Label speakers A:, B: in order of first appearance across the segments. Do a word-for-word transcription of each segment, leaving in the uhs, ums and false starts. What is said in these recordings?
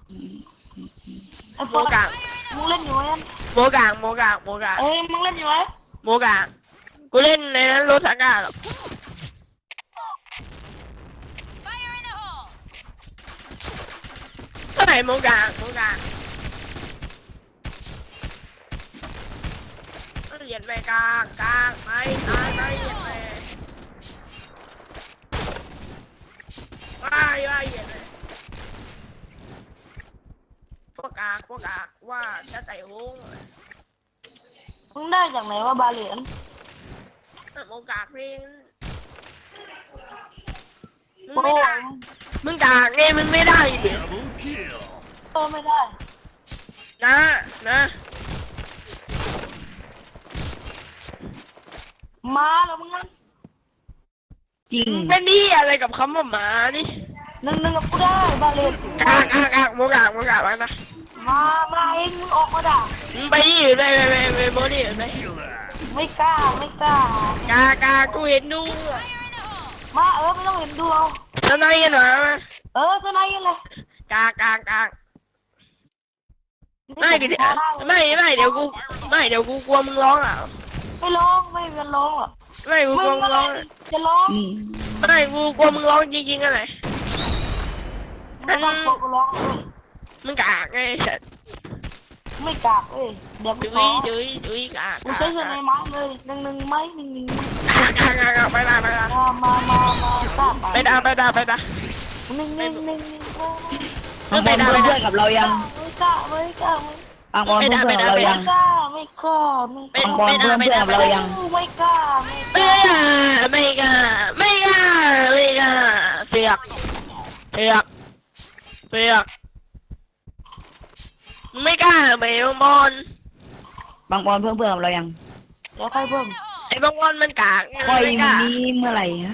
A: ไอ้
B: โม
A: โฟน
B: กาง
A: มึงเล่นอยู่ไหม
B: โมกางโมกางโมกาง
A: เอ้ยมึงเล่นอยู่ไหม
B: โมกางกูเล่นในนั้นโรสาก้าหรอกเท่าไหร่โมกางโมกางเหยียดไปกลางกลางไปตายไปเหยียดไปว้ายว้ายเหยียดไปพวกกากพวกกากว่าจะใส่หุ้ง
A: มึงได้จากไหนว่าบาเหรียญ
B: โมกากเพลงมึง
A: โอ้
B: ไม่ได้มึงกากเนี่ยมึงไม่ได้ดิ
C: Double kill.
A: เออไม่ได้
B: นะนะ
A: มาแล้วมึงนั่น
D: จริง
B: มึงเป็นนี่อะไรกับคำว่าหมานี่
A: หนึ่งหนึ่งกับกูได้บาเหรียญ
B: กากกากกากโมกากโมกากไปนะ
A: มามาเองมึงออกมาด่า
B: มึงไปนี่อยู่ไปไปไปไปโมนี่อยู่ไป
C: Killer.
A: ไม่กล้าไม่กล้าก
B: ากากูเห็นดู
A: มาเออไม่ต้องเห็นดูเอา
B: ทนายกันหน่อยมา
A: เออสไนเลย
B: กากากากไม่ดิไม่ไม่เดี๋ยวกูไม่เดี๋ยวกูกลัวมึงร้องอ่ะ
A: ไม่ร้องไม่เป็นร้องหรอก
B: ไม่กู
A: มึ
B: กลัว
A: ง
B: มึงร้อง
A: จะร้อง
D: อืม
B: ไม่กูกลัวมึงร้องจริงๆอะไร
A: ไม่ต้องกลัวกูร้องเลย
B: มึงกากไงสัตว์
A: ไม่กากเอ้ยเดี๋ยวกู
B: จุ้
A: ข
B: ย
A: อ
B: จุ้ยจุ้ยกาก
A: กูใช้สไนไม้เลยหนึ่งหนึ่งไม้หนึ่งหนึ่ง
B: กากากาไปได้ไปได้
A: มามามามาตาม
B: ไปได้ไปได้ไปได้
A: หนึ่งหนึ่งหนึ่งหนึ่ง
D: บางบอลเพื่อนเพื่อนกับเรายัง
A: ไม่กล้าไม่กล้า
D: บางบอลเพื่อนเพื่อนกับเรา
A: ไม่
D: ยัง
A: กล้าไม่กล้าไม่
B: เป็น
D: บางบอล
B: ไม่ได้
D: เพื่อน
B: ไม่
D: เพื่อน
B: ได้
D: กับ
B: ไม่
D: เรา
B: ได้
D: ยัง
A: ไม่กล้าไม่
B: ไม่กล้าไม่กล้าไม่กล้าเสือกเสือกเสือกไม่กล้าไปบอล
D: บางบอลเพื่อนเพื่อนกับเรายัง
A: เดี๋ยวใครเพิ่ม
B: ไอ้บางบอลมันกาก
D: คอย
B: ไม่กล้า
D: นี้เมื่อไหร่ฮะ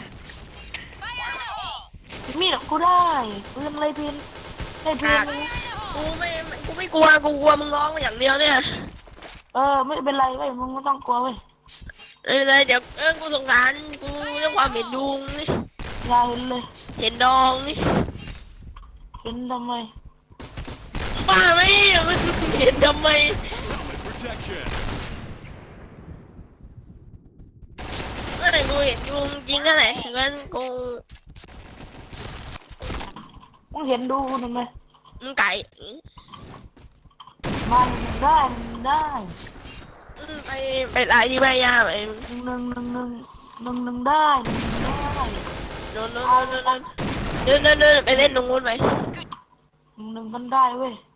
A: มีดกูได้ปืนอะไรปืนได้ปืน
B: กูไม่กูไม่กลัวกูกลัวมึงร้องอย่างเดียวเนี่ย
A: เออไม่เป็นไรเว้ยมึงไม่ต้องกลัวเว้ย
B: เออเดี๋ยวเออกูสงสารกูเรื่องความเห็นดุงนี่
A: อย่าเห็นเลย
B: เห็นดองนี่
A: เห็นทำไม
B: บ้าไหมมันเห็นทำไม
C: Helmet protection.
B: ไม่กูเห็นยุงจริงก็ไหนงั้นกู
A: มึงเห็นดูทำไม
B: มึงไก่
A: มาหนึ่งได้หนึ่งได้
B: ไปไปไล่ที่แม่ย่าไป
A: หนึ่งหนึ่งหนึ่งหนึ่งหนึ่งหนึ่งได้หนึ่งได้
B: โดนโดนโดนโดนเดินเดินเดินไปเล่นตรงนู้นไป
A: หนึ่งหนึ่งกันได้เว้ย